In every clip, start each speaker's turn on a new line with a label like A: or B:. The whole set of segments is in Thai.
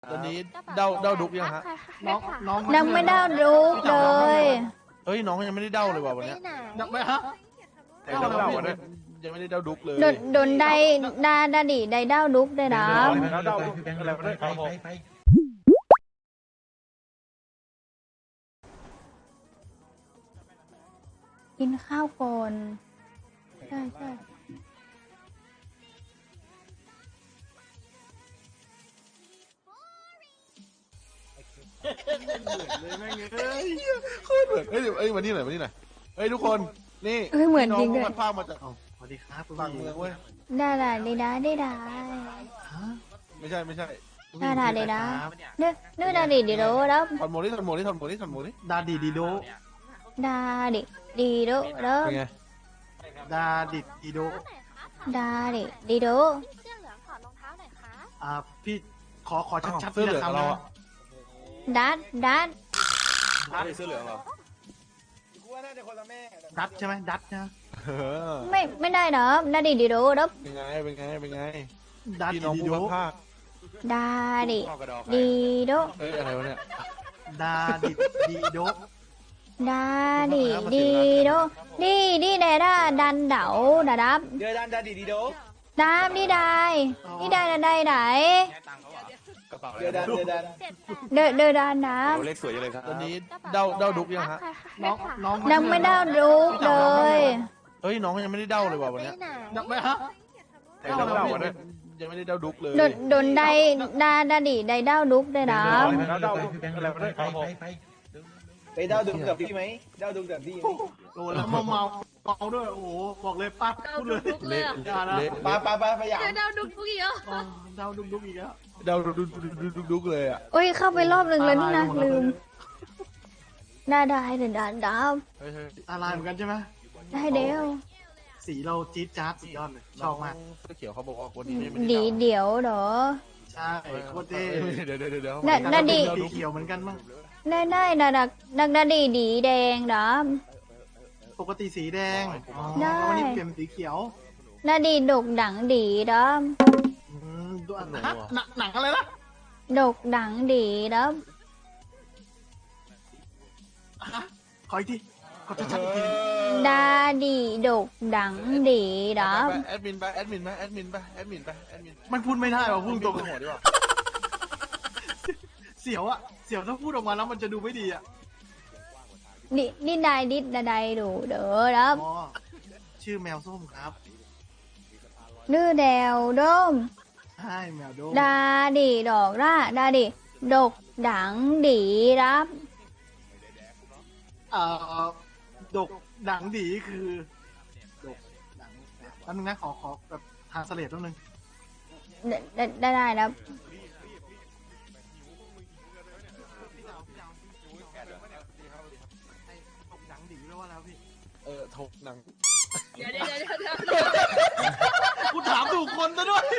A: ตอนนี้เด้าดุกยังฮะ
B: น้อง
C: ยังไม่ได้ดูเลย
A: เฮ้ยน้องยังไม่ได้เด้าเลยว่ะวันเนี้ย
B: ยังไม่ฮะ
A: เด้าวันนี้ยังไม่ได้เด้าดุกเลย
C: โดนได้ดาดิได้เด้าดุกได้นะ
A: เด้าดุกอะไรไม่ได้ครับผม
C: กินข้าวก่อนใช่
B: เลยแม่งเอ้ย
A: โคตรเหมือนเอ้ยมานี่หน่อยเฮ้ยทุกคนนี่
C: เหมือนจริง
A: เล
C: เลย ย
A: มันพามาจาก
B: สวัสดีครับคุณ
A: ฝั่งเมืองเว้ย
C: ได้ได้
A: ไม่ใช่
C: นึกดาดิดีโดแล้ว
A: ถอนหมดนี่
B: ดาดีดีโด
C: ดาดิดีโดแล้ว
A: เป็นไง
B: ดาดิดดีโด
C: ดาดิดีโด
D: เสื้อเหลืองถอดรองเท้าหน่อยค่ะ
B: พี่ขอชัดๆ
A: เสื้อเหลืองเราอะ
C: ดัด
A: เสื้อเหลืองเรา
B: ดัดใช่ไหมดัดนะ
C: ไม่ได้เนาะดาดิดีโดแล้ว
A: เป็นไง
B: ดัด
A: พี่น้อง
B: ดี
A: ผู้
B: โด
A: พัดภาค
C: ดาดิดีโด
A: เอ้ยอะไรวะเนี่ย
B: ดาดิดดีโด
C: ดาดิดีโดดีได้ดันเดาดาดับ
E: เดือดันดาดีดีโด
C: ดามดีได้ไหน
E: เดือดัน
C: เดดันนะ
E: เลขสวยเลยครับ
A: ตอนนี้เด้าดุกยังฮะ
B: น้อง
C: ยังไม่ได้ดูเลย
A: เฮ้ยน้องยังไม่ได้เด้าเลยว่ะวันเนี้ย
B: ยังไม่ฮะ
A: เด้าวันนี้ยังไม่ได้เด้าดุกเลย
C: โดนได้ดาดิได้เด้าดุกได้นะ
A: เด้าดุกอะไรไม่ได้ครับผม
E: ไปเดาดุกับพี่ไหมเดาดุกับพี่ไหม
B: โอ้แล้วเมาด้วยโอ้บอกเลยปั๊บพูดเลย
A: เละ
B: อย่านะ
E: ปาพยายาม
D: เดาดุกทุกอีกเหรอ
B: เดาดุกอีกแล้ว
A: เด้าดุกเลยอ่ะ
C: โอ้ยเข้าไปรอบหนึ่งแล้วนี่นะลืมได้เดี๋ยวดาว
A: เฮ้ย
B: อะไรเหมือนกันใช่ไหม
C: ได้เดียว
B: สีเราจี๊ดจ๊าดสุดยอดเลยชอบมาก
A: เสื้อเขียวเขาบอกว่าคนนี้ไม่
C: ดี
A: ได้
C: เดี๋ยวเหรอ
B: ใช่โคตรเท่
A: เดี๋ยว
C: น่าดี
B: สีเขียวเหมือนกันมั้ง
C: ได้ดักดาดิดีแดงดอม
B: ปกติสีแดง
C: ได้
B: วันนี้เปลี่ยนเป็นสีเขียว
C: ดาดิดกดังดีดอม
B: ดูหนังอะไรนะ
C: ดกดังดีดอม
B: ขออีกทีขอชัดๆอีกที
C: ดาดิดกดังดีดอม
A: แอดมินไป
B: มันพูดไม่ได้ว่ะพูดตรง
A: หัวดีกว่า
B: เสียวอะเสียวถ้าพูดออกมาแล้วมันจะดูไม่ดีอะ
C: ดิได้ดูเด้อดอม
B: อ๋อชื่อแมวส้มครับ
C: ดื้อแดวดม
B: ใช่แมวโดม
C: ดาดิดอกร่าดาดิดกดังดีรับ
B: เอ่อดกดังดีคือดกดังแป๊บนึงนะขอแบบทางเสลดแป๊บนึง
C: ได้แล้ว
B: ดกดังดีแปลว่าแล้วพี่
A: ถกหนัง
D: เดี๋ยว
B: กูถามถูกคนซะด้วย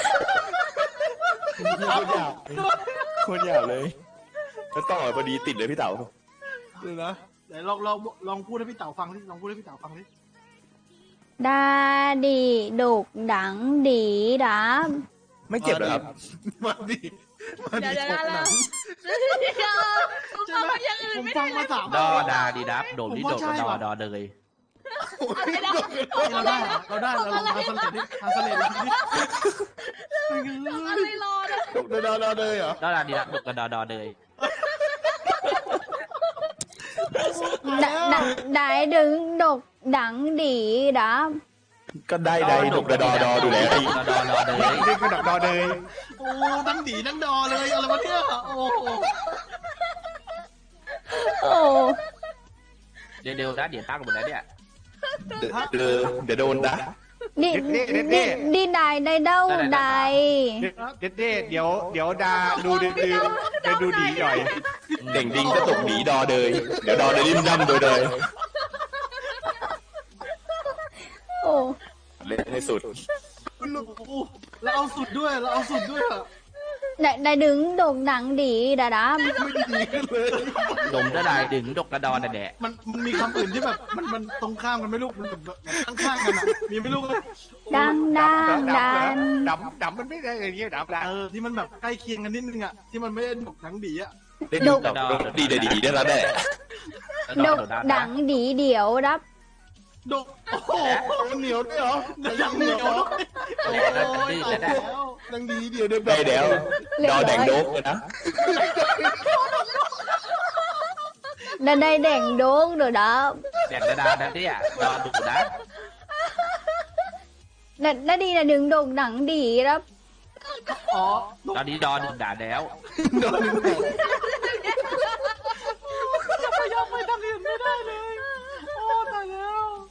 E: คนอยากเลยแล้วต่อพอดีติดเลยพี่เต๋า
A: ดูนะ
B: เดี๋ยวลองพูดให้พี่เต๋าฟังดิลองพูดให้พี่เต๋าฟังดิ
C: ดาดิดกดังดีรับ
E: ไม่เจ็บเหรอครับ
A: มาดิ
D: เดี๋ยว
A: ถกหนัง
B: ใช่ไหมผมฟังมาสาม
F: ดอดาดีดับโดดดิโดดดอเลย
B: เราได้เราลองทางเสลดดิทางเสลดดิ
D: อะไรรอนะ
A: ถกดอเลยเหรอ
F: ดอดาดีดับโดดกับดอเลย
C: ได้ดึงดกดังดีรับ
E: ก็ได้ดกดอดูแลพี่
F: ดอเลย
E: นี่คือดอเลย
B: โอ้ทั้งดีทั้งดอเลยอะไรวะเนี่ยโอ้
C: โอ้
F: เดี๋ยวนะเดี๋ยวตั้งหมดแล้วเนี่ย
E: เดี๋ยวโดนนะ
C: ดีได้เด้าได้
G: เดี๋ยวดาดูดื้อไปดูดีหน่อย
E: เด่งดิงก็ตกหนีดอเลยเดี๋ยวดอเลยริมดำโดยเลย
C: โอ้
E: เล่นให้สุด
B: เราเอาสุดด้วยเราเอาสุดด้วยอะ
C: ได้ดึงโด่งดังดีดาดับ
A: ไม่ดีขึ้นเลย
F: ดมจะได้ดึงดกกระดอนแดะ
B: มันมีคำอื่นที่แบบมันตรงข้ามกันไหม่ลูกมันแบบข้างๆกันอ่ะมีไหม่ลูก
C: ดังดังดัน
G: ดำมันไม่ได้อย่างเงี้ยดำละ
B: ที่มันแบบใกล้เคียงกันนิดนึงอ่ะที่มันไม่ได้ดกหนังดีอ่ะ
E: ได้ดีดีได้แล้วแน่
C: โด่งดังดีเดี๋ยวดับ
B: ดกโอ้โห
A: เหนียวด้วยเหรอ
B: ยังเหนียวด้วยโอ้ยตายแล้ว
A: ดังดีเดียวเดิน
E: ได้แล้วดอแดงโดกเลยนะ
C: ได้แดงโด่งเดี๋ยวดับ
F: แดกกระดานั่นเนี่ยดอดูนะ
C: ได้ดีได้ดึงโด่งดังดีดับ
B: อ๋อ
F: ตอนนี้ดอดึงด่าแล้ว
B: จะไปยอมไปทางอื่นไม่ได้เลยโอ้ตายแล้ว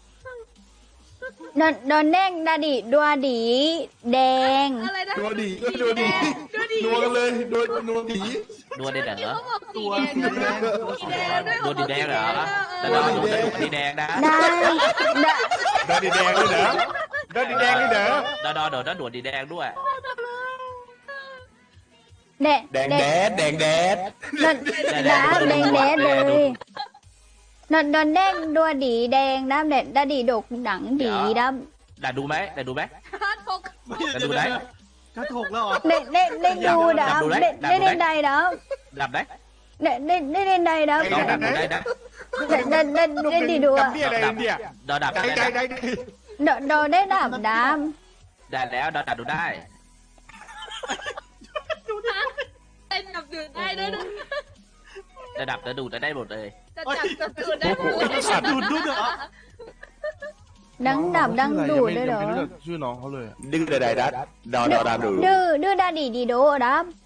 C: โดนแดงดาดีดัวดีแดง
D: อะไรนะ
A: นัวดีก็นัวดีนัวกันเลยโดยนัวดี
F: นัวได้เหรอ
D: เขาบอกสี
B: ตัว
D: แดง
B: สี
D: นะ
B: แดง
D: สีแดงด้วย
F: นัวดีแดงเหรอแต่ดอดูแต่ดูดีแดงนะ
C: ได้ได้
G: ดอดีแดงด้วยเหรอดอดีแดงด้วยเหรอ
F: ดอโดดดวดดีแดงด้วย
C: แด
E: แดงแดดแดงแดด
C: ดันดับแดงแดงเลยโดนแดงดัวดีแดงดับดาดีดกดังดีดับ
F: ด่าดูไหมด่าดูไหม
D: ฮัทก
F: ด่าดูไหม
B: กระถกแล้วเหรอ
C: ได้ดูดับได้เล่นใดดับ
F: ดับไหม
C: ได้เล่นใดดับ
F: ดอดับดูได้นะ
C: ได้ดีดู
G: กั
C: อ่ะ
G: บเนี่ยอะไรเนี่ย
F: ดอดับ
G: ได้
F: ได้
G: ได้
F: นะ
G: ได้
C: โดได้ดับดับ
F: ได้แล้วดอดับดูได้
D: เต้นกับดื่นได้ด้วยนะ
F: ระดับจะดูดจะได้หมดเลย
D: จะจับจะดื่นได้ด้วย
B: สัตว์ดูดด้วยเหรอ
C: ดังดับดังดูดด้วยเหรอ
A: ไม่รู้จักชื่อน้องเขาเลย
E: ดึงได้ดัดดอดามดู
C: ดื้อดาดีดีโดดับ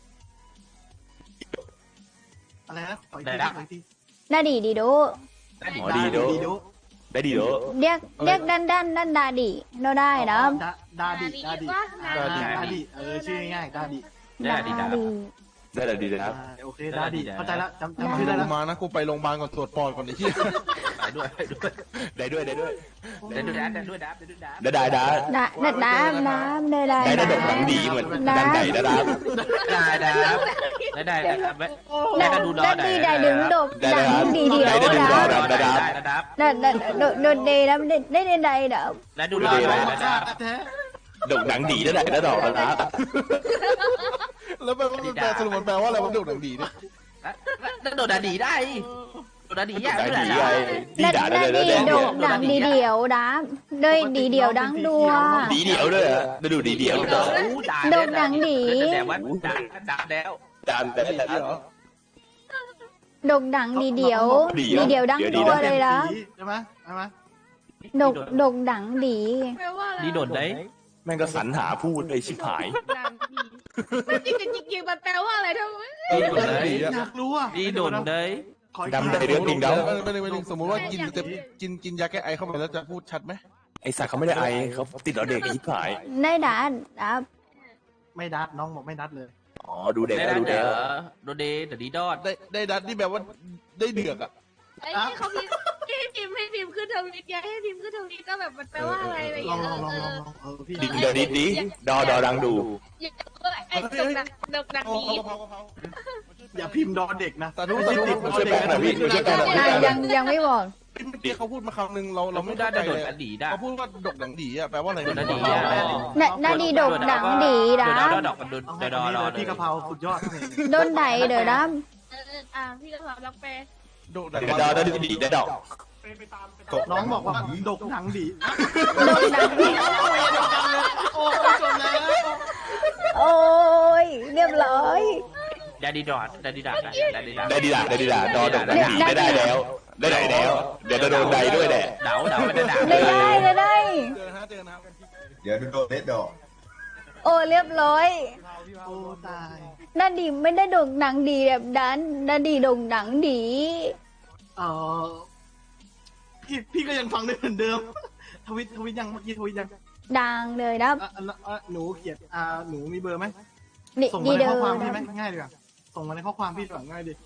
B: อะไรนะขออีกทีขออีกที
C: ดาดีดีโด
F: ได้ดี
E: อ๋อดีโดได้ดีโด
C: เรียกดันดาดีโดได้ดับ
B: ดาดิดาดิ
D: ว่า
B: ดาดิชื่อง่ายๆดาดิ
F: ได้ดีดับ
E: ได้แล้วดีนะครับ
B: โอเคดาดิเข้าใจแล้วจำชื่อได้
A: กู
B: แล้ว
A: มานะกูไปโรงพยาบาลก่อนตรวจปอดก่อนไอ้เหี้ย
F: ได้ด้วยได้ด้วย
E: ได้ด้วยได้ด้วย
F: ได้ด้วยได้ด้วยดับได้ด้วยดับ
E: ได้ได้ได้
C: ได้
E: ได้ได้ดอกหนังดีเหมือนดังไก่ได้ดับ
F: ได้ดับได้ดับได้ดูดอ
C: ได้ดีได้ดึงดกดังดีเดียว
F: ได้
C: ดับ
F: ดับ
C: โดนเดดับได้ได้ดับ
F: ได้ดูดอได้ดับ
B: แท้
E: ดอกหนังดีได้ได้ดอกแล้วนะ
A: แล้วแปลว่ามันแปลสรุปมันแปลว่าอะไรมันดุดังดีเนี่ย
F: แล้วโดดดีได้โดดดีอ่ะ
E: ได้
F: ไม่
E: ดี
F: ได้
E: ไงดี
C: ได้
E: ด่าได้
C: ได้
E: ได้
C: ดี
E: ได้
C: ดกดังดีเดียวดับได้ดีเดียวดังดัว
E: ดีเดียวด้วยได้ดูดีเดียวด้วย
F: แต่ว่าดับแล้ว
E: จานแต่แต่
C: ดกดังดีเดียวดีเดียวดังดัวเลยละ
B: ใช่ไหมใช่ไหม
C: ดกดังดี
D: แปลว่าอะไร
F: ดีโดดได้
E: แม่งก็สรรหาพูดไอ้ชิบหาย
D: ดังดีจริงๆมันแปลว่าอะไรทำไม
F: ดีโดดได้
B: อยากรู้อ่ะ
F: ดีโดดได้
E: ดำได้เรื่องจริง
A: แล้
E: แล้ว ว
A: ไม่สมมติว่ากินยาแก้ไอเข้าไปแล้วจะพูดชัดไหม
E: ไอ้สัตว์เขาไม่ได้ไอเขาติดเราเด็กไอ้ชิบหาย
C: ได้ดับ
B: ไม่ดัดน้องบอกไม่ดัดเลย
E: อ๋อดูเด็ก
F: ได้
E: ดู
F: เด้
E: เด็ก
F: อโดดเดแต่ดีดอด
A: ได้ดัดนี่แบบว่าได้เดือกอ่ะ
D: ไอ้ที่เขาพิมพ์ให้พิมพ์ขึ้นทวิตไงให้พิมพ์ขึ้นทวิตก็แบบมันแปลว่าอะไรอะไรอย่าง
B: ลอง
D: เงี้ย
B: พี่
E: ดิเดี๋ยวดิดิดอดังดู
D: ไอ้ดกดังดี
B: อย่าพิมพ์ดอเด็กนะ
A: สาธุสาธุ
E: ช่วยแป้งหน่อยพี่ช่วยแป้งหน่อย
C: ยังไม่บอก
A: ที่เขาพูดมาคำนึงเรา
F: เรา
A: ไม่
F: ไม่ได้
A: ได้
F: โด
A: เล
F: ด
A: ย
F: อดีได้
A: เขาพูดว่าดกดังดีอ่ะแปลว่าอะไร
F: โดดดี
C: นาดีดกดังดีดับ
F: ดอกกันโดด
B: เอา
F: ดอ
B: พี่กะเพราสุดยอด
C: โดนไดเดี๋ยวดับ
D: พี่ก็สอนรักแปล
A: ดกดัง
E: ดอได้ดีได้ดอก
B: น้องบอกว่าดกหนังดี
C: ดกดังดี
B: โอ้จบแล้ว
C: โอ้ยเรียบร้อย
F: ได้ดีดอดได้ดีดักได้ดีดัก
E: ได้ดีด่าได้ดีด่าดอดังดีได้แล้วได้ไหนแล้ว เดี๋ยวจะโดนใดด้วยแหละ
F: เดาไม่ได้ด่า
C: ได้
A: เจอนะ
H: เดี๋ยวโดนเล็ดดอก
C: โอ้เรียบร้อย
B: โอ้ตาย
C: นาดีไม่ได้ดกดังดีแบบดันนาดีดกดังดี
B: เออพี่ก็ยังฟังได้เหมือนเดิมทวิตยังเมื่อกี้ทวิตยัง
C: ดังเลยดับ
B: หนูเขียนหนูมีเบอร์ไหม
C: ดี
B: ส่ง
C: ดี
B: มาใน
C: เดิ
B: ข้อ
C: ม
B: ความพี่ไหมง่ายดีกว่าส่งมาในข้อความพี่ดีกว่าง่ายดี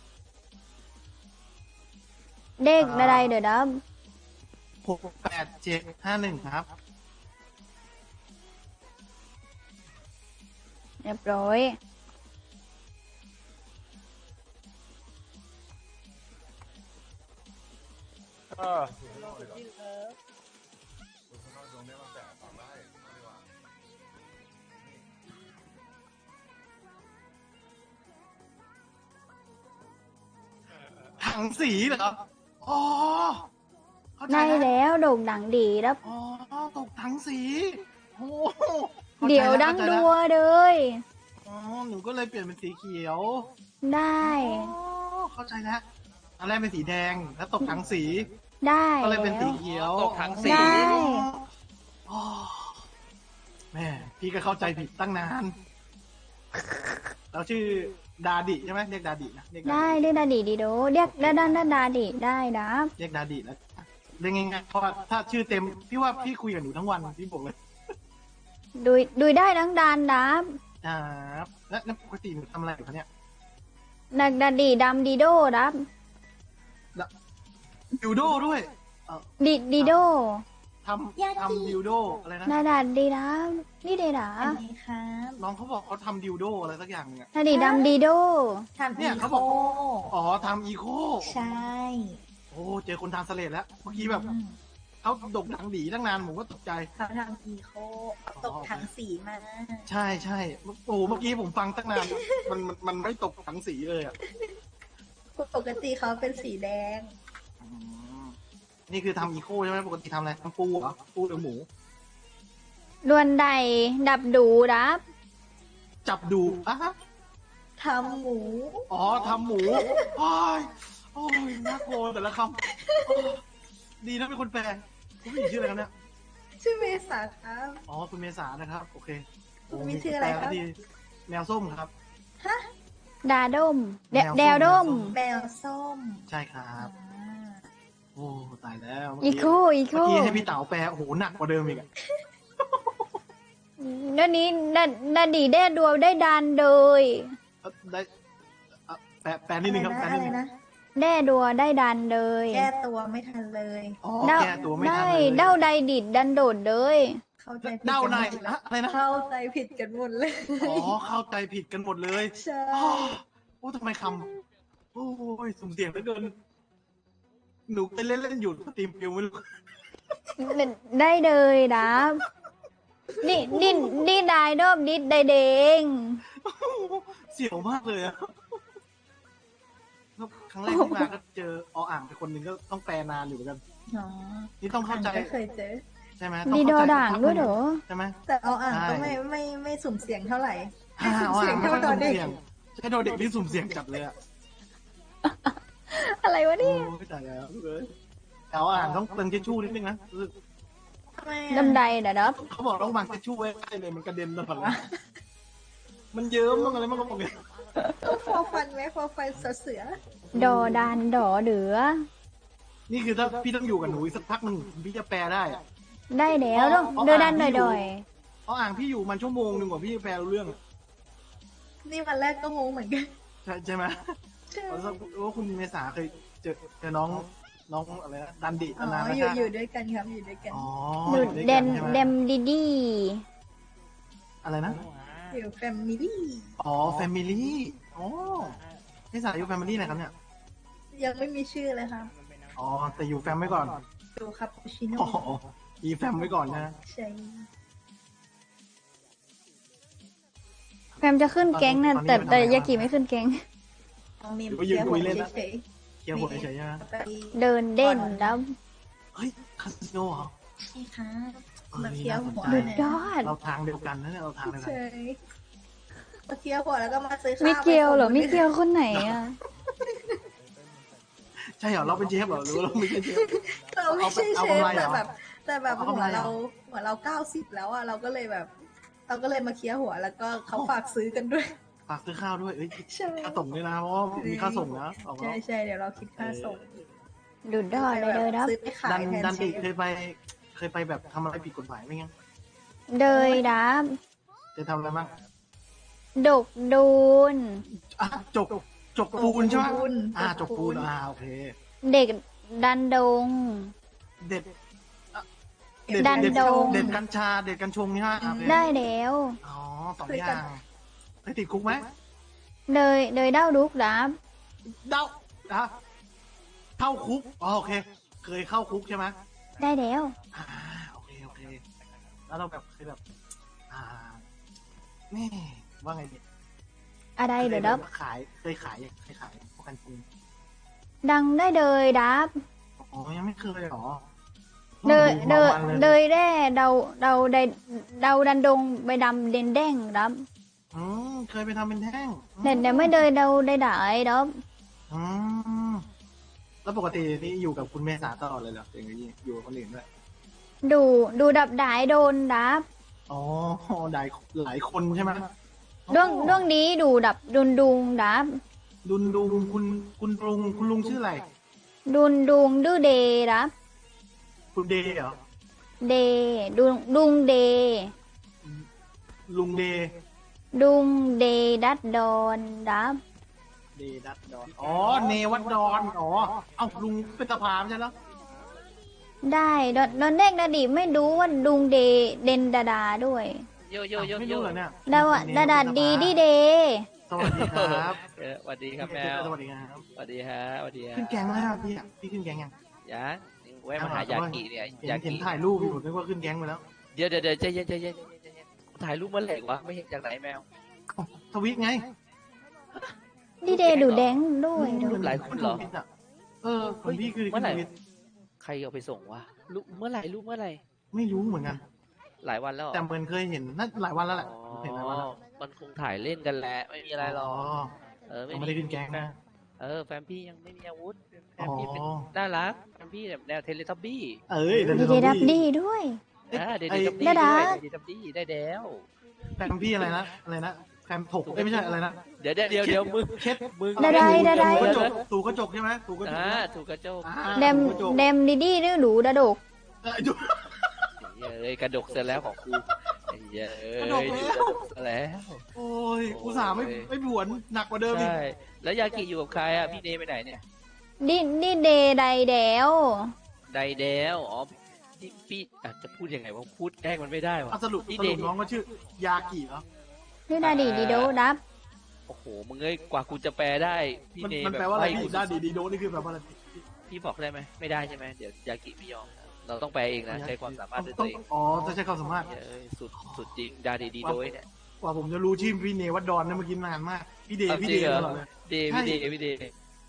C: เด็กอะไรเดี๋ยวดับ
B: 68751ครับ
C: เรียบร้อย
E: เออ
B: ถังสีเหรออ๋อเข้าใจ
C: ได้
B: แล้ว
C: แล้วดกดังดีครับ
B: อ๋อตกถังสีโอ้ข้าใจ
C: เดี๋ยว
B: แล้
C: ดัง
B: ข้าใจ
C: ดั
B: แล้ว
C: วเลย
B: อ๋อหนูก็เลยเปลี่ยนเป็นสีเขียว
C: ได้
B: อ๋อเข้าใจแล้วอันแรกเป็นสีแดงแล้วตกถังสี
C: ได้
B: ก็เลยเป็น
C: แว
B: สีเขียว
F: ตกถังสี
C: ได้
B: อ๋อแม่พี่ก็เข้าใจผิดตั้งนานเราชื่อดาดิใช่ไหมเรียกดาดินะเรียก
C: ได้เรียกดาดีดีโดเรียกด้านดาดีได้นะ
B: เรียกดาดิแล้วเรียกง่ายๆเพราะว่าถ้าชื่อเต็มพี่ว่าพี่คุยกับหนูทั้งวันพี่บอกเลย
C: ดูได้ทั้งดานดับ
B: ครับแล้วปกติหนูทำอะไรอยู่คะเนี่ย
C: ดักดาดีดำดีโดดับ
B: ยูโดด้วย
C: ดีโด
B: ทำดิวโดอะไรนะ
C: ดาดาดีดับนี่เดดา
I: อันนี้ครับ
B: น้องเขาบอกเขาทำดิวโดอะไรสักอย่างเนี่ย
C: ดาดีดำดีโด
I: ทำ
B: เนี่
I: อี
B: ยเขา
I: โค
B: บอก อ๋อทำอีโค
I: ใช่
B: โอ้เจอคนทำเสลดแล้วเมื่อกี้แบบเขาดกดังดีตั้งนานผมก็ตกใจ
I: เขาทำอีโคตกถังสีมา
B: ใช่ใช่โอ้เมื่อกี้ผมฟังตั้งนานมันไม่ตกถังสีเลยอ่ะ
I: ปกติเขาเป็นสีแดง
B: อืมนี่คือทำอีโคใช่ไหมปกติทำอะไรทำปูเหรอปูหรือหมู
C: ดวนใดดับดูดับ
B: จับดูอ่ะฮะ
I: ทำหมู
B: อ๋อทำหมูโอ้ยโอ้ยน่ากลัวแต่ละคำโอ้ยดีนะเป็นคนแปลคุณผู้หญิงชื่ออะไรครับเนี่ย
I: ชื่อเมษาครับ
B: อ๋อคุณเมษานะครับ โอเค
I: คุณมีชื่ออะไรครับ
B: แปลดีแมวส้มครับ
C: ดาดม
B: แมวส้ม
C: แดวดม
I: แมวส้ม
B: ใช่ครับ
I: อ่า
B: โอ้ตายแล้วเมื่
C: อี
B: กี้
C: โคอีโค
B: เมื่อกี้ให้พี่เต๋าแปลโอ้โหหนักกว่าเดิมอีกอะ
C: เดี๋ยวนี้ดาดีได้ดัวได้ดานเลย
B: ได้แปลนิดนึงครับแปล
I: อะ
B: นิด
I: ไร
B: นึง
I: นะ
C: ได้ดัวได้ดันเลย
I: แก้ตัวไม่ทันเลย
B: อ๋อ
C: เด้า
B: แก้ตัวไม่ทัน
C: ได้
B: เลย
C: เด้าใดดิดดันโดดเลย
I: เข้าใจผิด
B: เด้า
I: กัน
B: ใน
I: หมดเลย
B: อะอะไรนะ
I: เข้าใจผิดกันหมดเลย
B: อ๋อเข้าใจผิดกันหมดเลย
I: ใช่
B: อ้าวโอ้ทำไมคำโอ้ยสุ่มเสี่ยงเหลือเกินหนูไปเล่นอยู่สตรีมฟิลไม่รู้
C: ได้เลยดับนี่ได้ดมดิดได้เดง
B: เสียวมากเลยอะแล้วครั้งแรกที่มาก็เจออ่างไปคนหนึ่งก็ต้องแปลนานอยู่เหมือนกัน
I: อ๋อ
B: นี่ต้องเข้าใจ
I: ก็เคยเจอ
B: ใช่ไหม
C: ดี
B: ต้อง
C: โด
B: เข้าใจ
C: ด่างด้วยเหรอ
B: ใช่ไหม
I: แต่เอาอ่างก็
B: ใช่
I: ไม่สุ่มเสียงเท่าไหร่
B: อ่า
I: สุ่ม
B: อ่า
I: เสียง
B: ไม่
I: เท่า
B: ค่อย
I: ตอ
B: สุ่
I: น
B: ม
I: เด็ก
B: เสี่ยงใช่โดนเด็กที่สุ่มเสี่ยงจัดเลยอะ
C: อะไรวะ
B: โอ้
C: เนี่ย
B: ยตายแล้วเลยเอาอ่างต้องเติมทิชชู่นิดนึงนะรู้สึก
I: ทำไม
C: ดำใดนะดับ
B: เขาบอกต้องวางทิชชู่ไว้ใกล้เลยมันกระเด็นตลอดเลยมันเยิ้มมั้งอะไรมั้งก็บอกเนี่ย
I: ต้องฟอฟันไหมฟอฟันเสือ
C: ดอดานดอเดือ
B: นี่คือถ้าพี่ต้องอยู่กับหนูอีกสักพักหนึ่งพี่จะแปลได้อะ
C: ได้แล้วต้องเดินดันดอย
B: เพราะอ่างพี่อยู่มันชั่วโมงหนึ่งกว่าพี่จะแปลรู้เรื่องอะ
I: นี่วันแรกก็งงเหมือนกัน
B: ใช่ไหม
I: ใช่
B: เพราะว่าคุณเมษาเคยเจอน้องอะไรนะดันดิ
I: อ๋
B: นาน
I: อ
B: นะ
I: อยู่
B: คะ
I: อยู่ด้วยกันครับอยู่ด้วยกัน
B: อ๋อ
C: ดู
B: อยู่ด้วย
C: เด
B: กัน
C: ม
B: ใช่ไหม
C: เดมดีดี
B: อะไรนะ
I: อยู่แฟมิลี่
B: อ๋อแฟมิลี่อ๋อเมษาอยู่แฟมิลี่ไหนครับเนี่ย
I: ยังไม่มีชื่อเลยครับ
B: อ๋อแต่อยู่แฟมไว้ก่อน
I: อยู่คาปูชิโน่
B: อ๋ออีแฟมไว้ก่อนนะ
I: ใช่
C: แฟมจะขึ้นแก๊งนะแต่ยากิไม่ขึ้นแก๊ง
I: น้องนิม
B: หรือว่ายืน
I: เที่ยว
B: คุยเล่น
I: เฉ
B: นะ
I: ย
B: เคลียร์หัวเฉยๆใช่ไหม
I: ๆไป
C: เดินเด่นแล้ว
B: เฮ้ยคาสิโนเหรอ
I: ใช่ครับมาเที่ยวหัว
C: ดุด
I: เนี่ย
C: ยอด
B: เราทางเดียวกันนะเนี่ยเราทางเดียวกัน
I: ใช่มาเที่ยวหัวแล้วก็มาซื้อข้าว
C: มิเกลเหรอ
I: ไปส่ง
C: มิเกลคนไหนอ่ะ
B: ใช่เหรอเราเป็นเชฟเหรอหรือว่าเราไม่ใช่เชฟ
I: เราไม่ใช่
B: เอา
I: เชฟ
B: กำไรเหร
I: แต่
B: อ
I: แบบ แต่แบบ
B: เอา
I: หั
B: กำ
I: ว
B: ไรเหรอ
I: เรา90แล้วอ่ะเราก็เลยแบบ เราก็เลยมาเคลียร์หัวแล้วก็เขาฝากซื้อกันด้วย
B: ฝากซื้อข้าวด้วยเอ้ย
I: ใช่
B: ค่าส่งด้วยนะเพราะว่ามีค่าส่งนะออก
I: ใช่
B: แล้ว
I: ใช่เดี๋ยวเราคิดค่าส่ง
C: ดุดยอดเลยเดินครับ
I: ซื้อไปขายแทน
B: ดัน
I: เช
B: ดิ
I: ฟ
B: เคยไปแบบทำอะไรผิดกฎหมายไหมงั้น
C: เดยดับ
B: เคยทำอะไรบ้าง
C: ดกดูน
B: อ่ะจกปูนใช่ไหม
I: ปูน
B: จกปูนโอเค
C: เด็กดันดง
B: เด็ด
C: ดันดง
B: เด็ดกัญชาเด็ดกัญชงนี่ฮะโอเค
C: ได้แล้ว
B: อ๋อสองอย่างเคยติดคุกไหม
C: เดยเด้าดุกดับ
B: เดาเข้าคุกอ๋อโอเคเคยเข้าคุกใช่ไหม
C: ได้แล้ว
B: อ่าโอเคโอเค แล้วเราแบบเคยแบบ อ่าแม่ว่าไงดี
C: อะไรเดี๋ยวดับ
B: เคยขายพวกกันจริง
C: ดังได้เลยดับ
B: อ๋อยังไม่เคยหรอ
C: เดยเดย
B: มาวัน
C: เด
B: เลย
C: ยแร่เดาได้เดาดันดงใบดำเด่นแดงดับ
B: เคยไปทำเป็นแท่ง
C: เด่นไม่เดยเดาได้ได้ดับ
B: อืมแล้วปกตินี่อยู่กับคุณเมษาตลอดเลยเหรออย่างนี้อยู่กับคนอื่นด้วย
C: ดูดับดายโดนดับ
B: อ๋อหลายคนใช่ไหม
C: ดวงนี้ดูดับดุงดับ
B: ดุงคุณลุงชื่ออะไร
C: ดุงดื้อเดดับ
B: คุณเดย์เหรอ
C: เดดุงเด
B: ลุงเดย์
C: ดุงเดดัดดอนดับ
B: เดย์ดัดดอนอ๋อเนวัดดอนอ๋อเอ้าลุงเป็นสภาไม่ใช่เหรอ
C: ได้ดอนแดงดาดิไม่รู้ว่าดุงเดเดนดาดาด้วย
F: โยโยโย
B: ไม่
F: โย
B: รู้เหรอเนี่ย
C: ดาดีดีเด
B: สวัสดีครับ
F: สวัสดีครับแมว
B: สวัสดีครับ
F: สวัสดีฮะสวัสดีฮะ
B: ขึ้นแกงแล้วครับพี่ขึ้นแกงยัง
F: ยังแวะมาหายากิเนี่ย
B: เห็น
F: ยา
B: เห็น
F: กิ
B: ถ่ายรูปอยู่นึกว่าขึ้นแกงไปแล้ว
F: เดี๋ยวใจเย็นถ่ายรูปเมื่อไหร่วะไม่เห็นจากไหนแมว
B: ทวิตไง
C: ดีเดดูแดงด้วย
F: รูปหลายคนเหรอ
B: คนพี่คือ
F: เมื่อไหร่
B: ทวิต
F: ใครเอาไปส่งวะรูปเมื่อไหร่รูปเมื่อไหร่
B: ไม่รู้เหมือนกัน
F: หลายวันแล้วเหรอ
B: แต่เหมือนเคยเห็นน่าหลายวันแล้วแหละ
F: อ๋อ
B: เห็นหลายวันแล้ว
F: มันคงถ่ายเล่นกันแหละไม่มีอะไรหรอกเออ
B: ไม่ได้ขึ้นแกงนะ
F: แฟนพี่ยังไม่มีอาวุธแฟ
B: อ๋
F: นพี่เป็น
B: อ
F: น่ารักแฟนพี่แบบแนวเทเลทับบี้
B: เอ้ย
C: ดีเดดับดีด้วย
F: เดดทับบี้
C: ดาดา
F: เดดทับบี้ได้แล้ว
B: แฟนพี่อะไรนะแฟนถกไม่ใช่อะไรนะ
F: เดี๋ยวมึง
B: เช็ด
F: มึง
C: ดาดาดาดา
B: ถูกระจกใช่ไหมถูกระจก
F: ถูกกระโจก
C: เดมดีดื้อดูดาดก
F: เอ้ยกระดกเสร็จแล้วของกูเอ้ย
B: กระดกแล้ว
F: แล้ว
B: โอ้ยอุตส่าห์ไม่ผวนหนักกว่าเดิมอีก
F: ใช่แล้วยากิอยู่กับใครอ่ะพี่เนไปไหนเนี่ย
C: ดีเดไดแดว
F: ไดเดลอ๋อพี่จะพูดยังไงว่าพูดแกล้งมันไม่ได้วะ
B: สรุปน้องก็ชื่อยากิเหรอ
C: นี่ดาดีดีโดดับ
F: โอ้โหมึงเอ้ยกว่ากูจะแปลได้พี่เน
B: มัน
F: แบบ
B: แปลว่าอะไร
F: ให้
B: พี่
F: กู
B: ด้าดีโดนี่คือแบบว่าอะไร
F: พี่บอกได้ไหมไม่ได้ใช่ไหมเดี๋ยวยากิไม่ยอมเราต้องแปลเองนะใช้ความสามารถด้วยตัวเอง
B: อ๋อจะใช้ความสามารถ
F: เอ้ยสุดจริงดาดีโดยเนี่ย
B: กว่าผมจะรู้ชื่อพี่เนวัดดอนเนี่ยเมื่อกี้นานมาก พี่เดย์ตลอดเลย
F: เดพี่เด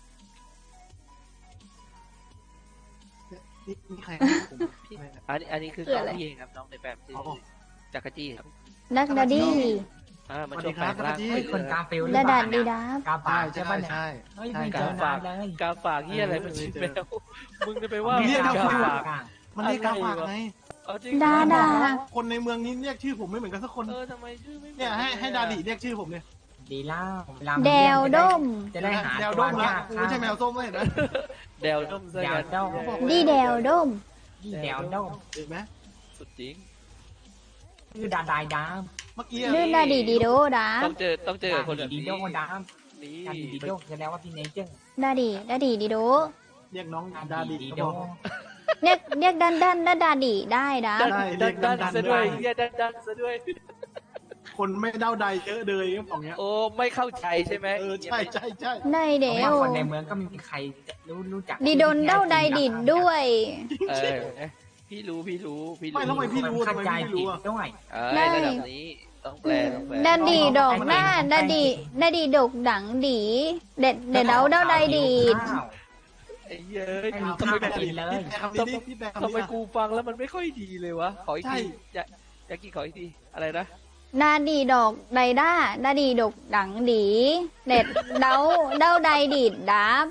B: นี่ใคร
F: อันนี้คือน้องพี่เองครับน้องในแฟมชื่อจักรจี้ครับ
C: นักดาดี
F: มาช่วยแปลงร่าง
J: คนกาฟิล
C: ดาดาดีดับ
J: กาฝาก
B: ใช่
J: ใช่ป่ะเนี่ย
B: ใช่
J: เฮ้ยไม่เจอนานเลย
F: กาฝากเฮียอะไรมันชิบแมวมึงจะไปว่า
B: เรียก
F: กา
B: เขา
F: ฝาก
B: มันเรียกกาฝากไง
C: ดาดา
B: คนในเมืองนี้เรียกชื่อผมไม่เหมือนกันสักคน
F: ทำไมชื่อไม่
B: เนี่ยให้ดาดีเรียกชื่อผมเนี่ย
J: ดีแล้ว
C: แดวด้ม
J: จะได้หา
B: แดว
J: ตั
B: ด้
J: ว
B: มละ
J: ยาก
B: กูไม่ใช่แมวส้มเลยเห็นไหม
F: แดวด้มซะ
J: แดว
F: กัน
J: ด้ม
C: ดีแดวด้ม
J: ดีแดวด้ม
B: เห็นไหม
F: สุดจริง
J: คือดาดายดาม
B: เมื่อกี้
C: ลื่นดาดีดีโดดับ
F: ต้องเจอคนแบบ
J: ดี
F: นี้
J: โดดาม
F: นี่
J: ดาดีโดแสดงว่าพี่เนเจอร์
C: ดาดีดีโด
B: เรียกน้องดาดี
J: ดี
B: ก็
J: โด
B: บอก
C: เรียกดาดีได้ดับ
F: ดันซะด้วยเฮียดันซะด้วย
B: คนไม่เด้าใดเยอะเลยก็บอกเงี้ย
F: โอ้ไม่เข้าใจใช่ไหม
B: ใช่
C: ได้เด
J: เพราะ
C: ว
J: ว่าคนในเมืองก็ไมมีใครรู้จัก
C: ดีโดนเด้าใดดิดด้วย
F: พี่รู้
B: ไม่แล้วทำไมพี่รู้
J: เข้า
B: ทำไม
J: ใจ
B: พี่
J: ผิ
B: รู้
J: ด
B: อ่ะ
J: ด้วย
F: ระดับนี้ต้องแปล
C: ดาดีดอกหน้าดาดีดกดังดีเด็ดเดาใดดีด
F: ไอ้เย้ย
J: ไม่มีข้าวกินเลย
B: คำนี้พี่แบง
F: ทำไมกูฟังแล้วมันไม่ค่อยดีเลยวะขออีกทีอยากกินขออีกทีอะไรนะ
C: ดาดีดอกใดด้าดาดีดกดังดีเด็ดเดาใดดีดดับ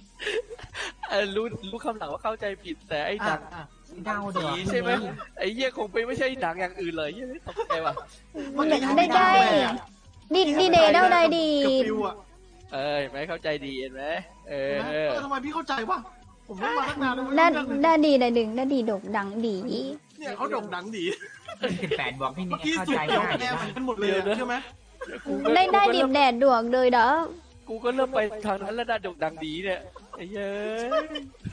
F: รู้คำหลังว่าเข้าใจผิดแต่ไอ้หนัง
J: เดาเดือด
F: ใช่ไหมไอ้เหี้ยคงไปไม่ใช่หนังอย่างอื่นเลยเหี้ยตกใจว่ะ
C: ได้ดีเดเดาใดดี
B: กับฟิวอ่ะ
F: ไม่เข้าใจดีเห็นไหม
B: ทำไมพี่เข้าใจวะผมไม่มาตั้งนานแล้ว
C: ดาดีใดดึงดาดีดกดังดี
B: เนี่ยเขาโด่งดังดี
J: 18บอกพี่เน
B: เมื่อกี้
J: เข้า
B: สุด
J: ใจ
B: เกี่ยว
J: ง่าย
B: แน่
J: นะ
B: เหมือนกันหมดเลยใช่ไหม
C: ได้ดิบแดดดวกเลยเด้อ
F: กูก็เริ่มไปทางนั้นแล้วดันดกดังดีเนี่ยไอ้เย้ย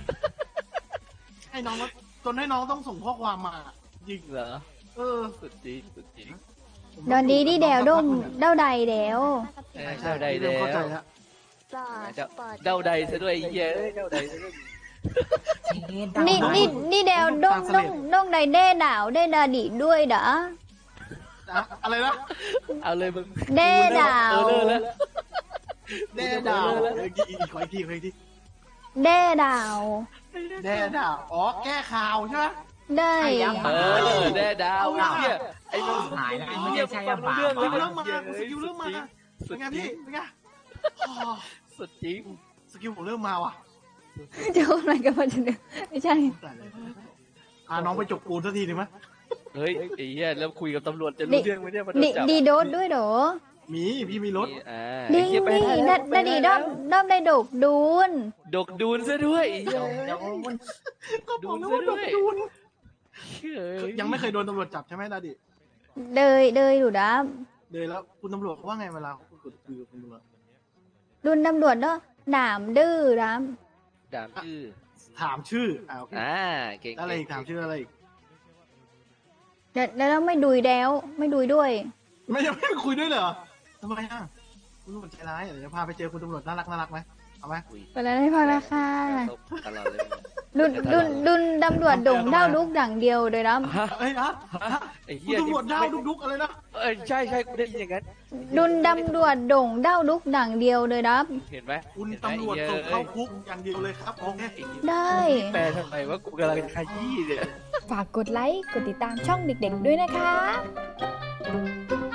B: ให้น้องจนให้น้องต้องส่งข้อความมา
F: จริงเหรอ สุดจริง
C: ดอนดีดีแดวด้มเดาใดแดว
F: เจ้าใดแล้ว
B: เข้าใจแล้ว
F: เจ้าใดซะด้วยเย้ยเจ้าใดซะด้วย
C: นี่เดวน้องใดเด้ดาวเด้ดาดีด้วยเด้อ
B: อะไรนะ
F: เอาเลยมึง
C: เด้ดาว
F: เออแล้ว
B: แด่ดาวอีกขออีกทีขออีกที
C: เด้ดาว
B: แด่ดาวอ๋อแก้ข่าวใช่ไหม
C: ได้
F: แด่ดาวเนี่ยไอ้มึง
J: หายแล้วไม่ได้ใช่ยังเปล่า
F: เรื่อง
B: ส
F: แล้ว
B: กิลเริ่มมาสกิลเริ่มมาเป็นไงพี่เป็นไง
F: สุดจริง
B: สกิลผมเริ่มมาว่ะ
C: เจะอะไรกันมาจะเนี่ยไม่ใช่
B: พาน้องไปจบปูนสักทีหนึ่งไหม
F: เฮ้ยไอ้เหี้ยแล้วคุยกับตำรวจจะรู้เรื่องไหมเนี่ยมันโดนจับ
C: ดีโดดด้วยเหรอ
B: มีพี่มีรถ
C: ดีนี่ดาดีด้อมได้ดกดูน
F: ดกดูนซะด้วย
J: เดี๋ยวมัน
B: ก็บอกแล้วว่าโดนดูน
F: เฮ้ย
B: ยังไม่เคยโดนตำรวจจับใช่ไหมดาดิ
C: เลยอยู่ดับ
B: เลยแล้วคุณตำรวจเขาว่าไงเวลาคุยกับคุณตำรวจ
C: ดุนตำรวจเนาะหนามดื้อดับ
F: ดามชื่อ
B: ถามชื่อโอเค
F: เก่ง
B: อะไรอีกถามชื่ออะไรอีก
C: แล้วไม่ดุยแล้วไม่ดุยด้วย
B: ไม่ยังไม่คุยด้วยเหรอทำไมอ่ะคุณตำรวจใจร้ายเดี๋ยวจะพาไปเจอคุณตำรวจน่ารักไหมเอาไหม
C: ไปแล้วให้พอละค่ะ
F: ตลอดเลย
C: ดุนตำรวจโด่งเท่าลูกดังเดียวเลยดับ
B: เอ้ยนะ
F: ไอ้
B: คุ
F: เหี้
B: ณ
F: ย
B: ตำรวจดาวดุกอะไรนะ
F: ใช่กูได้ยินอย่างนั้น
C: ดุนตำรวจโด่งเท่าลูกดังเดียวเลยดับ
F: เห็นไหม
B: คุณตำรวจส่งเข้าคุกอย่างเดียวเลยครับโอเค
C: ได้
F: แปลทำไมว่ากูกำลังขยี้เนี่ย
C: ฝากกดไลค์ กดติดตามช่องเด็กๆด้วยนะคะ